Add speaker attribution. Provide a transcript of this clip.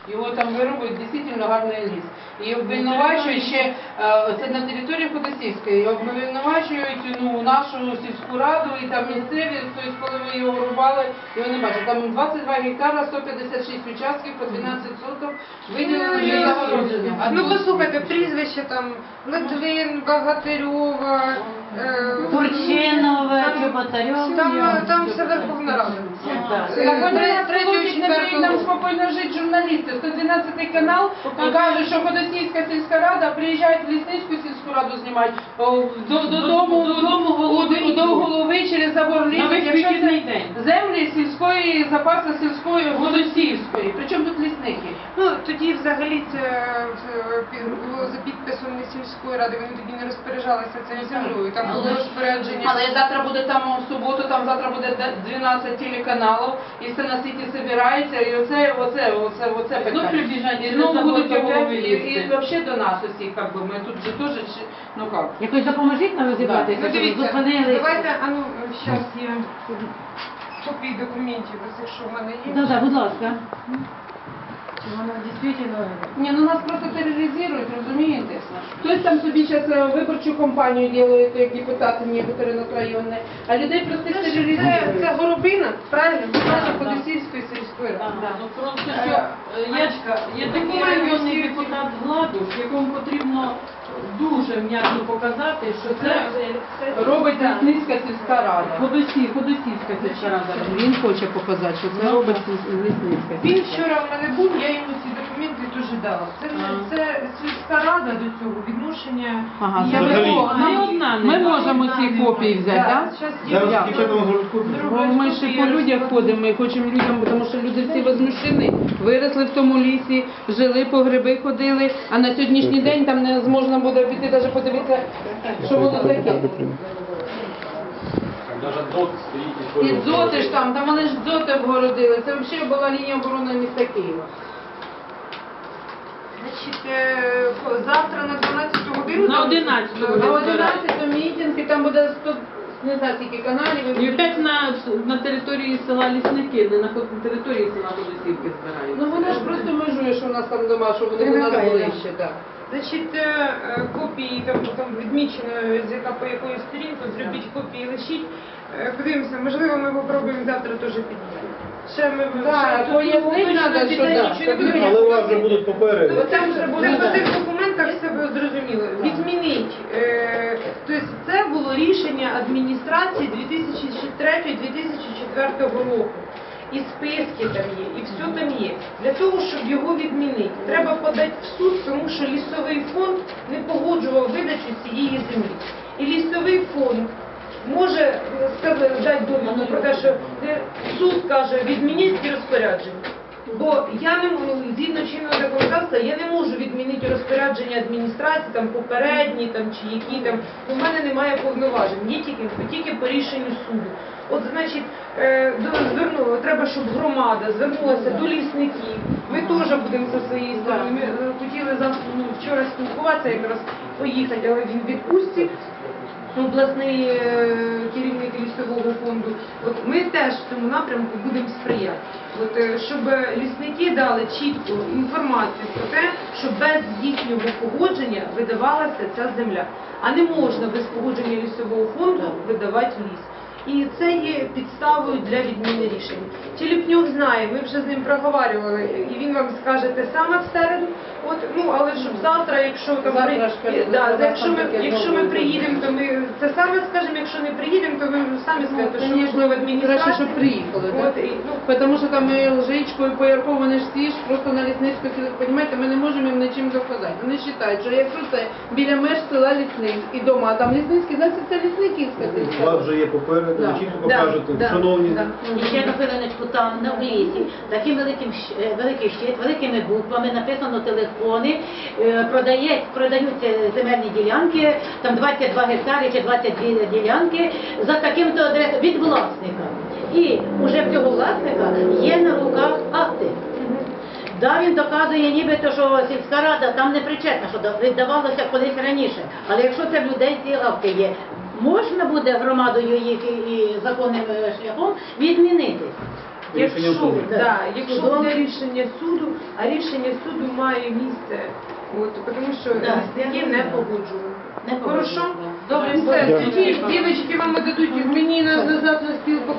Speaker 1: його там вирубують, дійсно гарний ліс. І обвинувачують ще, це на території Ходосівської, і обвинувачують нашу сільську раду і там місцеві, тобто коли ми його рубали, його не бачили. Там 22 гектара, 156 участків, по 12 соток виділили для загородження.
Speaker 2: Ну послухайте, прізвище там Литвин, Богатирьова,
Speaker 3: Турчинова, Чоботарьова.
Speaker 2: там все Верховна Рада.
Speaker 1: Так вони нас получать, не дають нам спокійно жити журналісти. 112 канал каже, що Ходосівська сільська рада приїжджають в Лісницьку сільську раду знімати до голови через забор лісу, якщо це землі сільської, запасу сільської Ходосівської. Причому тут лісники?
Speaker 2: Ну тоді взагалі це було за підписом не сільської ради, вони тоді не розпоряджалися цією землею, там було розпорядження.
Speaker 1: Але завтра буде там в суботу, там завтра буде 12 телеканалів, і все на світі збирається, і оце питання. І знову будуть опять, і взагалі до нас усіх, як би, ми тут же теж, ну як.
Speaker 3: Якось допоможіть нам розібратися,
Speaker 2: Ну
Speaker 3: щоб
Speaker 2: дивіться,
Speaker 3: зупинили.
Speaker 2: давайте, зараз я копії документів, ось якщо в мене є.
Speaker 3: Так, будь ласка. Воно дійсно...
Speaker 1: Ні, ну нас просто тероризують, розумієте? Хтось там собі зараз виборчу кампанію робить, як депутати некоторі районні, а людей просто тероризують. Це Горобина, правильно? Наша Ходосівської сільської ради.
Speaker 4: Ну просто що є такий районний депутат Гладуш, якому потрібно дуже м'яко показати, що це
Speaker 1: Робить Лісницька сільська рада.
Speaker 4: Ходосівська сільська рада.
Speaker 1: Він хоче показати, що це робить Лісницька.
Speaker 2: Він вчора в мене був, я йому ці документи дуже дала. Це сільська рада до цього відношення.
Speaker 1: Ага,
Speaker 2: Я
Speaker 1: взагалі. Ми
Speaker 2: не
Speaker 1: можемо ці копії взяти, так?
Speaker 2: Зараз
Speaker 1: Бо ми ще по людях ходимо, ми хочемо людям, тому що люди всі возмущені. Виросли в тому лісі, жили, по гриби ходили, а на сьогоднішній день там не можна буде піти, навіть подивитися, що воно таке.
Speaker 5: Даже ДОТ стоїть
Speaker 1: І дзоти ж там вони ж дзоти обгородили. Це взагалі була лінія оборони міста Києва.
Speaker 2: Значить, завтра на 12 годину.
Speaker 4: На 11
Speaker 1: На 11 мітинг, і там буде 100, не знаю, скільки каналів.
Speaker 4: І опять на території села Лісники, не на території села Ходосівки збирають.
Speaker 1: Ну вона ж просто межує, що у нас там дома, що вони у нас ближче, так.
Speaker 2: Значить, копії, там відмічено, по якої сторінку, зробіть копії, лишіть. Подивимося, можливо, ми попробуємо завтра теж підняти. Ще ми
Speaker 1: пояснити треба, що так.
Speaker 5: Але у вас вже будуть попереду.
Speaker 2: Там вже буде по цих документах все було зрозуміло. Відмінить. Тобто це було рішення адміністрації 2003-2004 року. І списки там є, і все там є. Для того, щоб його відмінити, треба подати в суд, тому що лісовий фонд не погоджував видачу цієї землі. І лісовий фонд може дати довідку про те, що суд каже, відмініть ці розпорядження. Бо я не можу, згідно чинного законодавства, я не можу відмінити розпорядження адміністрації, там попередні, там чи які там. У мене немає повноважень, є тільки по рішенню суду. От, значить, треба, щоб громада звернулася до лісників. Ми теж будемо зі своєї сторони. Ми хотіли вчора спілкуватися, якраз поїхати, але він в відпустці. Обласний керівник лісового фонду. От ми теж в цьому напрямку будемо сприяти. От, щоб лісники дали чітку інформацію про те, що без їхнього погодження видавалася ця земля. А не можна без погодження лісового фонду видавати ліс. І це є підставою для відміни рішення. Телепнюк знає, ми вже з ним проговорювали, і він вам скаже те саме в середу. От, але щоб завтра, якщо там якщо ми приїдемо, то ми це саме скажемо, якщо не приїдемо, то ви самі скажете, що можливо адміністрація.
Speaker 1: Краще, щоб приїхали, так? Тому що там і Лжичко, і Поярко, вони ж всі ж просто на Лісницьку, розумієте, ми не можемо їм нічим доказати. Вони вважають, що якщо це біля меж села Лісницьк і дома, а там Лісницький, значить це Лісниківська сільська.
Speaker 5: У вас вже є попереду, ви чітко покажете, шановні.
Speaker 3: І ще на хвилиночку там, на лісі, таким великий щит, великими буквами, написано телефони, продаються земельні ділянки, там 22 гектари чи 22 ділянки, за таким-то адресом від власника. І вже в цього власника є на руках акти. Да, він доказує нібито, що сільська рада там не причетна, що віддавалося колись раніше. Але якщо це в людей ці акти є, можна буде громадою їх і законним шляхом відмінити.
Speaker 5: Рішення
Speaker 2: Якщо,
Speaker 5: суду.
Speaker 2: якщо
Speaker 3: Судом.
Speaker 2: буде рішення суду, а рішення суду має місце, тому що лісники не погоджували.
Speaker 3: Не
Speaker 2: Хорошо?
Speaker 3: погоджуюсь.
Speaker 2: Добре,
Speaker 5: Дякую.
Speaker 2: все. Тоді дівчатки вам дадуть мені назад на стіл